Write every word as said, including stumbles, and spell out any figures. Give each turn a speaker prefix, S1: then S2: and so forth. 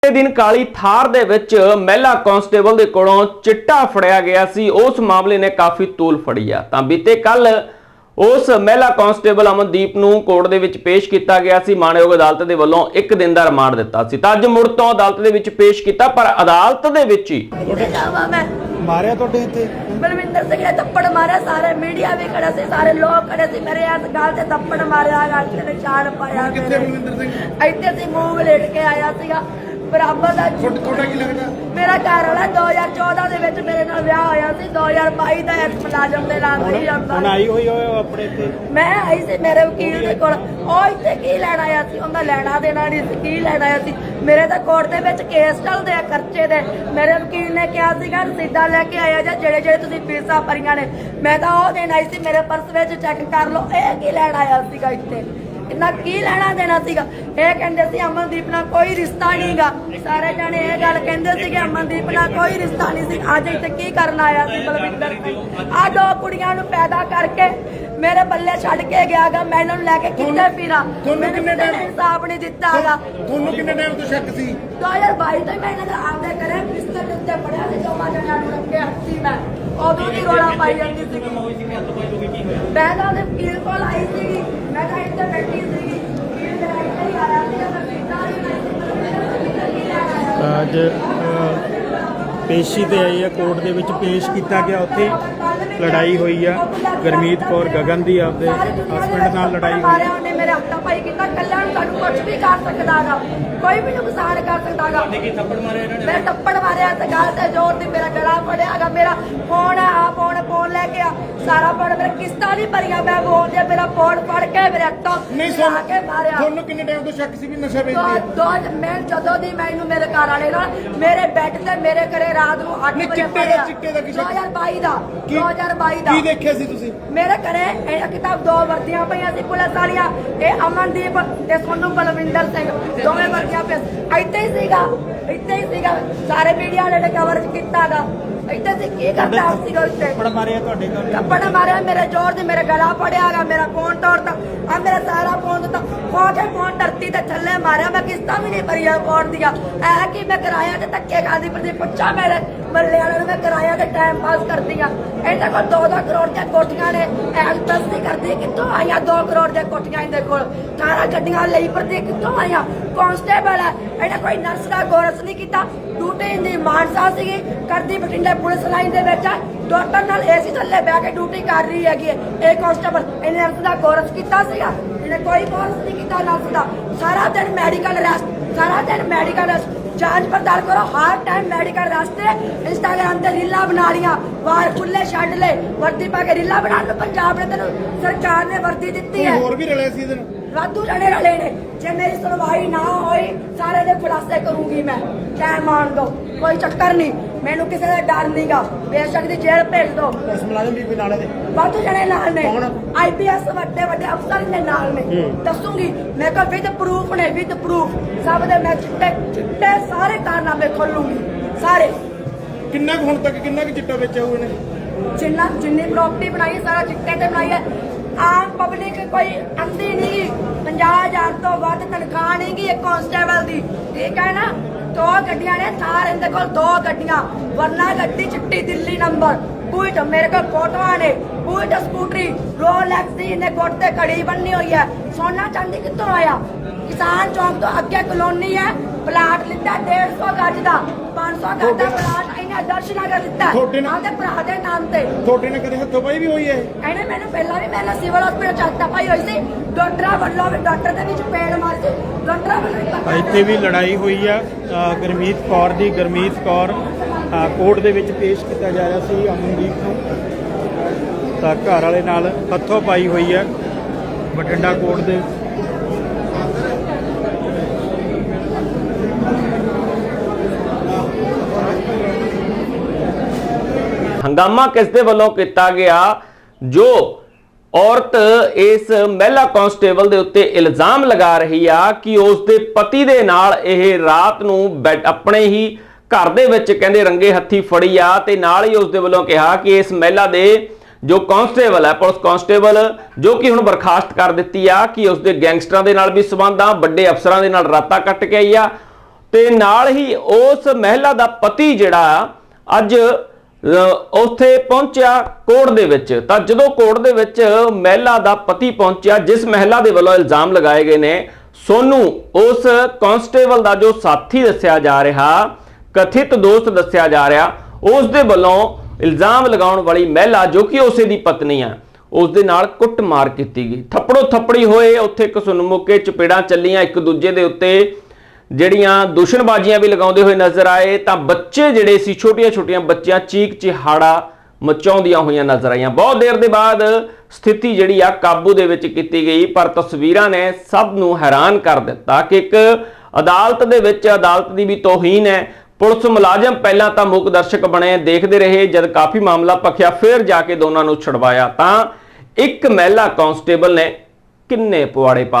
S1: दिन काली थार दे विच महिला कांस्टेबल दे कोलों चिट्टा फड़िया गया सी। उस मामले ने काफ़ी तूल फड़ी आ। तां बीते कल उस महिला कांस्टेबल अमनदीप नूं कोर्ट दे विच पेश किया गया सी। माणयोग अदालत दे वल्लों एक दिन दा रिमांड दिता सी। तां अज मुड़ तों अदालत दे विच पेश किया, पर अदालत दे विच ही
S2: मारिया तो इत्थे
S3: बलविंदर सिंह ने थप्पड़ मारे। सारे मीडिया भी खड़े थे, सारे लोग खड़े थे। मेरे हाथ गाल से थप्पड़ मारिया, गाल से निशान पाया।
S2: कितने बलविंदर सिंह
S3: इतने सी मुंह लेट के आया सीगा। बराबर दा
S2: थोड़ा की लगदा
S3: मेरा घर वाला दो हज़ार चौदह ਦੇ ਵਿੱਚ ਮੇਰੇ ਨਾਲ ਵਿਆਹ ਹੋਇਆ ਸੀ। दो हज़ार बाईस ਦਾ ਐਕਟ ਮੁਲਾਜ਼ਮ ਦੇ ਨਾਲ ਨਹੀਂ ਜਾਂਦਾ।
S2: ਹੁਣ ਆਈ ਹੋਈ ਹੋਏ ਆਪਣੇ ਇੱਥੇ
S3: ਮੈਂ ਆਈ ਸੀ ਮੇਰੇ ਵਕੀਲ ਦੇ ਕੋਲ। ਉਹ ਇੱਥੇ ਕੀ ਲੈਣ ਆਇਆ ਸੀ? ਉਹਦਾ ਲੈਣਾ ਦੇਣਾ ਨਹੀਂ ਸੀ। ਕੀ ਲੈਣ ਆਇਆ ਸੀ? ਮੇਰੇ ਤਾਂ ਕੋਰਟ ਦੇ ਵਿੱਚ ਕੇਸ ਚੱਲਦੇ ਆ ਖਰਚੇ ਦੇ। ਮੇਰੇ ਵਕੀਲ ਨੇ ਕਿਹਾ ਸੀਗਾ ਰਸੀਦਾਂ ਲੈ ਕੇ ਆਇਆ ਜਾਂ ਜਿਹੜੇ ਜਿਹੜੇ ਤੁਸੀਂ ਫੀਸਾਂ ਭਰੀਆਂ ਨੇ। ਮੈਂ ਤਾਂ ਉਹ ਦੇਣ ਆਈ ਸੀ, ਮੇਰੇ ਪਰਸ ਵਿੱਚ ਚੈੱਕ ਕਰ ਲਓ। ਇਹ ਕੀ ਲੈਣ ਆਇਆ ਸੀਗਾ ਇੱਥੇ? इन्ना की लेना देना सीगा? ये कहंदे सी अमनदीप नाल कोई रिश्ता नहीं गा। सारे जाने ये गल कहंदे सी कि अमनदीप नाल कोई रिश्ता नहीं सी। अज इत्थे की करन आया सी बलविंदर सिंह? आ दो कुड़ियां नूं पैदा करके मेरे बल्ले छड्ड के गया गा। मैं इन्हां नूं लैके कित्थे फिरां?
S2: ਤੁਹਾਨੂੰ ਕਿੰਨੇ ਟਾਈਮ
S3: इंसाफ नहीं दिता गा।
S2: ਤੁਹਾਨੂੰ ਕਿੰਨੇ ਟਾਈਮ ਤੋਂ ਸ਼ੱਕ ਸੀ?
S3: दो हज़ार बाईस ਤੋਂ ਮੈਂ ਇਹਨਾਂ ਦੇ ਆਪਦੇ ਘਰੇ ਬਿਸਤਰ ਦੇ ਉੱਤੇ ਪੜਿਆ ਸੀ। ਦੋਵਾਂ ਜਣਿਆਂ ਨੂੰ ਰੱਖਿਆ ਸੀ ਮੈਂ। ਉਦੋਂ ਦੀ ਰੋਲਾ ਪਾਈ ਜਾਂਦੀ ਸੀ। ਮੈਂ ਤਾਂ ਉਹਦੇ ਵਕੀਲ ਕੋਲ ਆਈ ਸੀਗੀ। ਮੈਂ ਤਾਂ ਇੱਥੇ ਬੈਠੀ ਸੀਗੀ। ਵਕੀਲ ਮੇਰਾ ਇੱਥੇ ਹੀ ਆਇਆ ਸੀਗਾ। ਮੈਂ ਕਿਹਾ
S2: ਅੱਜ ਪੇਸ਼ੀ ਤੇ ਆਈ ਹੈ, ਕੋਰਟ ਦੇ ਵਿੱਚ ਪੇਸ਼ ਕੀਤਾ ਗਿਆ। ਉੱਥੇ ਲੜਾਈ ਹੋਈ ਆ ਗੁਰਮੀਤ ਕੌਰ ਗਗਨ ਦੀ, ਆਪਦੇ ਹਸਬੈਂਡ ਨਾਲ ਲੜਾਈ ਹੋਈ।
S3: ਉਹਨੇ ਮੇਰੇ ਹੱਥਾਂ ਪਾਈ ਕੀਤਾ। ਕੱਲਿਆਂ ਨੂੰ ਤੁਹਾਨੂੰ ਕੁਝ ਵੀ ਕਰ ਸਕਦਾਗਾ, ਕੋਈ ਵੀ ਨੁਕਸਾਨ ਕਰ ਸਕਦਾਗਾ। ਮੈਂ ਥੱਪੜ ਮਾਰਿਆ ਤੇ ਗਲ ਤੇ ਜ਼ੋਰ ਦੀ ਮੇਰਾ ਗਲਾ ਫੜਿਆਗਾ। ਮੇਰਾ ਫੋਨ ਆ ਆ ਫੋਨ ਫੋਨ ਲੈ ਕੇ ਆ ਸਾਰਾ ਫੋਨ ਮੇਰੇ ਕਿਸ਼ਤਾਂ ਨਹੀਂ ਭਰੀਆਂ। ਮੈਂ ਬੋਲਦੇ ਮੇਰਾ ਫੋਨ ਫੜ ਕੇ ਮੇਰੇ ਹੱਥੋਂ
S2: ਨਹੀਂ
S3: ਲਾ ਕੇ ਮਾਰਿਆ।
S2: ਤੁਹਾਨੂੰ ਕਿੰਨੇ ਟਾਈਮ ਤੋਂ ਸ਼ੱਕ ਸੀ ਵੀ ਨਸ਼ਾ ਵੇਚਦੇ?
S3: ਦੋ ਮੈਂ ਜਦੋਂ ਦੀ ਮੈਨੂੰ ਮੇਰੇ ਘਰ ਵਾਲੇ ਨਾਲ ਮੇਰੇ ਬੈੱਡ ਤੇ ਮੇਰੇ ਘਰੇ ਰਾਤ ਨੂੰ ਅੱਠ ਵਜੇ
S2: ਚਿੱਟੇ ਚਿੱਟੇ ਦਾ ਕੀ
S3: ਦੋ ਹਜ਼ਾਰ ਬਾਈ ਦਾ ਦੋ ਹਜ਼ਾਰ ਬਾਈ ਦਾ
S2: ਕੀ ਦੇਖਿਆ ਸੀ ਤੁਸੀਂ?
S3: ਮੇਰੇ ਘਰੇ ਇਹ ਕਿਤਾਬ ਦੋ ਵਰਦੀਆਂ ਪਈਆਂ ਸੀ ਪੁਲਿਸ ਵਾਲੀਆਂ। ਇਹ ਅਮਨਦੀਪ ਤੇ ਸੋਨੂੰ ਬਲਵਿੰਦਰ ਸਿੰਘ ਦੋਵੇਂ ਵਰਦੀਆਂ ਪਈਆਂ। ਇੱਥੇ ਹੀ ਸੀਗਾ, ਇੱਥੇ ਹੀ ਸੀਗਾ। ਸਾਰੇ ਮੀਡੀਆ ਵਾਲੇ ਨੇ ਕਵਰੇਜ ਕੀਤਾਗਾ। ਇੱਥੇ ਸੀ ਕੀ ਕਰਦਾ ਸੀਗਾ? ਉੱਤੇ
S2: ਥੱਪੜ ਮਾਰਿਆ ਤੁਹਾਡੇ ਘਰ?
S3: ਥੱਪੜ ਮਾਰਿਆ ਮੇਰੇ ਜ਼ੋਰ ਦੀ। ਮੇਰੇ ਗਲਾ ਫੜਿਆਗਾ, ਮੇਰਾ ਫੋਨ ਤੋੜਤਾ। ਆ ਮੇਰਾ ਸਾਰਾ ਫੋਨ ਦਿੱਤਾ। ਖੋ ਕੇ ਫੋਨ ਧਰਤੀ ਤੇ ਥੱਲੇ ਮਾਰਿਆ। ਮੈਂ ਕਿਸ਼ਤਾਂ ਵੀ ਨਹੀਂ ਭਰੀਆਂ ਫੋਨ ਦੀਆਂ। ਐ ਕਿ ਮੈਂ ਕਿਰਾਇਆ ਤੇ ਧੱਕੇ ਖਾਦੀ ਫਿਰਦੀ। ਪੁੱਛਾ ਮੇਰੇ ਮੱਲੇ ਵਾਲਿਆਂ ਨੂੰ, ਮੈਂ ਕਿਰਾਇਆ ਤੇ ਟਾਈਮ ਪਾਸ ਕਰਦੀ ਆ। ਇਹਨਾਂ ਕੋਲ ਦੋ ਦੋ ਕਰੋੜ ਦੀਆਂ ਕੋਠੀਆਂ ਨੇ। ਐ ਦੱਸ ਨਹੀਂ ਕਰਦੀ ਕਿੱਥੋਂ ਆਈਆਂ ਦੋ ਕਰੋੜ ਦੀਆਂ ਕੋਠੀਆਂ ਇਹਦੇ ਕੋਲ। ਅਠਾਰਾਂ ਗੱਡੀਆਂ ਲਈ ਫਿਰਦੀ, ਕਿੱਥੋਂ ਆਈਆਂ? ਕਾਂਸਟੇਬਲ ਹੈ। ਇਹਨੇ ਕੋਈ ਨਰਸ ਦਾ ਕੋਰਸ ਨਹੀਂ ਕੀਤਾ। ਡਿਊਟੀ ਦੀ ਮਾਨਸਾ ਸੀਗੀ ਕਰਦੀ ਬਠਿੰਡੇ ਪੁਲਿਸ ਲਾਈਨ ਦੇ ਵਿੱਚ। ਡਾਕਟਰ ਨਾਲ ਏਸੀ ਥੱਲੇ ਬਹਿ ਕੇ ਡਿਊਟੀ ਕਰ ਰਹੀ ਹੈਗੀ। ਇਹ ਕਾਂਸਟੇਬਲ ਇਹਨੇ ਨਰਸ ਦਾ ਕੋਰਸ ਕੀਤਾ ਸੀਗਾ? ਇਹਨੇ ਕੋਈ ਕੋਰਸ ਨਹੀਂ ਕੀਤਾ ਨਰਸ ਦਾ। ਸਾਰਾ ਦਿਨ ਮੈਡੀਕਲ ਰੈਸਟ, ਸਾਰਾ ਦਿਨ ਮੈਡੀਕਲ ਰੈਸਟ। ਜਾਂਚ ਪੜਤਾਲ ਕਰੋ, ਹਰ ਟਾਈਮ ਮੈਡੀਕਲ ਰਸਤੇ। ਇੰਸਟਾਗ੍ਰਾਮ ਤੇ ਰੀਲਾਂ ਬਣਾ ਲੀਆਂ, ਵਾਰ ਖੁੱਲੇ ਛੱਡ ਲੈ, ਵਰਦੀ ਪਾ ਕੇ ਰੀਲਾਂ ਬਣਾਉਣ ਨੂੰ ਪੰਜਾਬ ਨੇ ਤੈਨੂੰ ਸਰਕਾਰ ਨੇ ਵਰਦੀ ਦਿੱਤੀ ਹੈ।
S2: ਹੋਰ ਵੀ ਰਲੇ ਸੀ ਇਹਦੇ ਨਾਲ?
S3: ਵਾਧੂ ਜਣੇ ਰਲੇ ਨੇ। ਜੇ ਮੇਰੀ ਸੁਣਵਾਈ ਨਾ ਹੋਈ ਸਾਰੇ ਦੇ ਖੁਲਾਸੇ ਕਰੂੰਗੀ ਮੈਂ। ਟਾਈਮ ਮਾਣ ਦੋ, ਕੋਈ ਚੱਕਰ ਨਹੀਂ। ਮੈਨੂੰ ਕਿਸੇ ਦਾ ਡਰ ਨਹੀਂਗਾ। ਬੇਸ਼ੱਕ ਦੀ ਜੇਲ੍ਹ ਭੇਜ ਦੋ।
S2: ਪੁਲਿਸ ਮੁਲਾਜ਼ਮ ਵੀ ਨਾਲੇ ਦੇ
S3: ਵਾਧੂ ਜਣੇ ਨਾਲ ਨੇ। ਆਈ ਪੀ ਐਸ ਵੱਡੇ ਵੱਡੇ ਅਫਸਰ ਨੇ ਨਾਲ ਨੇ। ਦੱਸੂਗੀ ਮੈਂ ਕੋ ਵਿਦ ਪ੍ਰੂਫ ਨੇ, ਵਿਦ ਪ੍ਰੂਫ ਸਭ ਦੇ। ਮੈਂ ਚਿੱਟੇ ਚਿੱਟੇ ਸਾਰੇ ਕਾਰਨਾਮੇ ਖੋਲੂੰਗੀ ਸਾਰੇ।
S2: ਕਿੰਨਾ ਕੁ ਹੁਣ ਤੱਕ ਕਿੰਨਾ ਕੁ ਚਿੱਟਾ ਵੇਚਿਆ ਹੋਇਆ ਨੇ?
S3: ਜਿੰਨਾ ਜਿੰਨੀ ਪ੍ਰਾਪਰਟੀ ਬਣਾਈ ਸਾਰਾ ਚਿੱਟੇ ਤੇ ਬਣਾਈ ਹੈ। ਆਮ ਪਬਲਿਕ ਕੋਈ ਅੰਧੀ ਨਹੀਂ। ਪੰਜਾਹ ਹਜ਼ਾਰ ਤੋਂ ਵੱਧ ਤਨਖਾਹ ਨਹੀਂ ਗੀ ਇੱਕ ਕਾਂਸਟੇਬਲ ਦੀ, ਠੀਕ ਹੈ ਨਾ? ਦੋ ਗੱਡੀਆਂ ਨੇ ਥਾਰ ਇਹਦੇ ਕੋਲ, ਦੋ ਗੱਡੀਆਂ। ਵਰਨਾ ਗੱਡੀ ਚਿੱਟੀ ਦਿੱਲੀ ਨੰਬਰ। ਬੂਟ ਮੇਰੇ ਕੋਲ ਫੋਟੋਆਂ ਨੇ। ਬੂਟ ਸਕੂਟਰੀ ਰੋਲੈਕਸ ਦੀ ਇਹਨੇ ਗੁੱਟ ਤੇ ਘੜੀ ਬੰਨੀ ਹੋਈ ਹੈ। ਸੋਨਾ ਚਾਂਦੀ ਕਿੱਥੋਂ ਆਇਆ? ਕਿਸਾਨ ਚੌਂਕ ਤੋਂ ਅੱਗੇ ਕਲੋਨੀ ਹੈ। ਪਲਾਟ ਲਿੱਤਾ ਡੇਢ ਸੌ ਗਜ ਦਾ, ਪੰਜ ਸੌ ਗਜ ਦਾ ਪਲਾਟ ਇਹਨੇ ਦਰਸ਼ਨ ਨਗਰ ਲਿੱਤਾ ਆਪਦੇ ਭਰਾ ਦੇ ਨਾਮ ਤੇ।
S2: ਤੁਹਾਡੇ ਨਾਲ ਕਦੇ ਹੱਥੋਂ ਪਾਈ ਵੀ ਹੋਈ ਹੈ?
S3: ਇਹਨੇ ਮੈਨੂੰ ਪਹਿਲਾਂ ਵੀ ਮੇਰੇ ਨਾਲ ਸਿਵਲ ਹਸਪੀਟਲ ਚਾਤਾ ਪਾਈ ਹੋਈ ਸੀ। ਡਾਕਟਰਾਂ ਵੱਲੋਂ ਵੀ ਡਾਕਟਰ ਦੇ ਵਿੱਚ ਪੇੜ ਮਾਰ ਸੀ। ਡਾਕਟਰਾਂ ਵੱਲੋਂ
S2: ਇੱਥੇ ਵੀ ਲੜਾਈ ਹੋਈ ਆ ਗੁਰਮੀਤ ਕੌਰ ਦੀ। ਗੁਰਮੀਤ ਕੌਰ ਕੋਰਟ ਦੇ ਵਿੱਚ ਪੇਸ਼ ਕੀਤਾ ਜਾ ਰਿਹਾ ਸੀ ਅਮਨਦੀਪ ਨੂੰ। ਤਾਂ ਘਰ ਵਾਲੇ ਨਾਲ ਹੱਥੋਂ ਪਾਈ ਹੋਈ ਹੈ ਬਠਿੰਡਾ ਕੋਰਟ ਦੇ।
S1: हंगामा किसदे वल्लों किया गया? जो औरत इस महिला कांस्टेबल दे उत्ते इल्जाम लगा रही आ कि उसके पति दे नाल यह रात नूं बैठ अपने ही घर दे विच कहंदे रंगे हत्थी फड़ी आ ते नाल ही उसदे वल्लों कहा कि इस महिला दे जो कांस्टेबल है पुलिस कांस्टेबल जो कि हुण बर्खास्त कर दित्ती आ कि उसके गैंगस्टरां दे नाल भी संबंध आ, वड्डे अफसरां दे नाल रातां कट के आई आ। ਤੇ ਨਾਲ ਹੀ ਉਸ ਮਹਿਲਾ ਦਾ ਪਤੀ ਜਿਹੜਾ ਅੱਜ ਉੱਥੇ ਪਹੁੰਚਿਆ ਕੋਰਟ ਦੇ ਵਿੱਚ। ਤਾਂ ਜਦੋਂ ਕੋਰਟ ਦੇ ਵਿੱਚ ਮਹਿਲਾ ਦਾ ਪਤੀ ਪਹੁੰਚਿਆ, ਜਿਸ ਮਹਿਲਾ ਦੇ ਵੱਲੋਂ ਇਲਜ਼ਾਮ ਲਗਾਏ ਗਏ ਨੇ, ਸੋਨੂ ਉਸ ਕਾਂਸਟੇਬਲ ਦਾ ਜੋ ਸਾਥੀ ਦੱਸਿਆ ਜਾ ਰਿਹਾ, ਕਥਿਤ ਦੋਸਤ ਦੱਸਿਆ ਜਾ ਰਿਹਾ, ਉਸ ਦੇ ਵੱਲੋਂ ਇਲਜ਼ਾਮ ਲਗਾਉਣ ਵਾਲੀ ਮਹਿਲਾ ਜੋ ਕਿ ਉਸੇ ਦੀ ਪਤਨੀ ਆ, ਉਸ ਦੇ ਨਾਲ ਕੁੱਟਮਾਰ ਕੀਤੀ ਗਈ। ਥੱਪੜੋ ਥੱਪੜੀ ਹੋਏ, ਉੱਥੇ ਕਸੁਨਮੁਕੇ ਚਪੇੜਾਂ ਚੱਲੀਆਂ, ਇੱਕ ਦੂਜੇ ਦੇ ਉੱਤੇ ਜਿਹੜੀਆਂ ਦੂਸ਼ਣਬਾਜ਼ੀਆਂ ਵੀ ਲਗਾਉਂਦੇ ਹੋਏ ਨਜ਼ਰ ਆਏ। ਤਾਂ ਬੱਚੇ ਜਿਹੜੇ ਸੀ, ਛੋਟੀਆਂ ਛੋਟੀਆਂ ਬੱਚੀਆਂ ਚੀਕ ਚਿਹਾੜਾ ਮਚਾਉਂਦੀਆਂ ਹੋਈਆਂ ਨਜ਼ਰ ਆਈਆਂ। ਬਹੁਤ ਦੇਰ ਦੇ ਬਾਅਦ ਸਥਿਤੀ ਜਿਹੜੀ ਆ ਕਾਬੂ ਦੇ ਵਿੱਚ ਕੀਤੀ ਗਈ, ਪਰ ਤਸਵੀਰਾਂ ਨੇ ਸਭ ਨੂੰ ਹੈਰਾਨ ਕਰ ਦਿੱਤਾ ਕਿ ਇੱਕ ਅਦਾਲਤ ਦੇ ਵਿੱਚ ਅਦਾਲਤ ਦੀ ਵੀ ਤੋਹੀਨ ਹੈ। ਪੁਲਿਸ ਮੁਲਾਜ਼ਮ ਪਹਿਲਾਂ ਤਾਂ ਮੂਕ ਦਰਸ਼ਕ ਬਣੇ, ਦੇਖਦੇ ਰਹੇ, ਜਦ ਕਾਫੀ ਮਾਮਲਾ ਭਖਿਆ ਫਿਰ ਜਾ ਕੇ ਦੋਨਾਂ ਨੂੰ ਛੁਡਵਾਇਆ। ਤਾਂ ਇੱਕ ਮਹਿਲਾ ਕਾਂਸਟੇਬਲ ਨੇ ਕਿੰਨੇ ਪਵਾੜੇ ਪਾ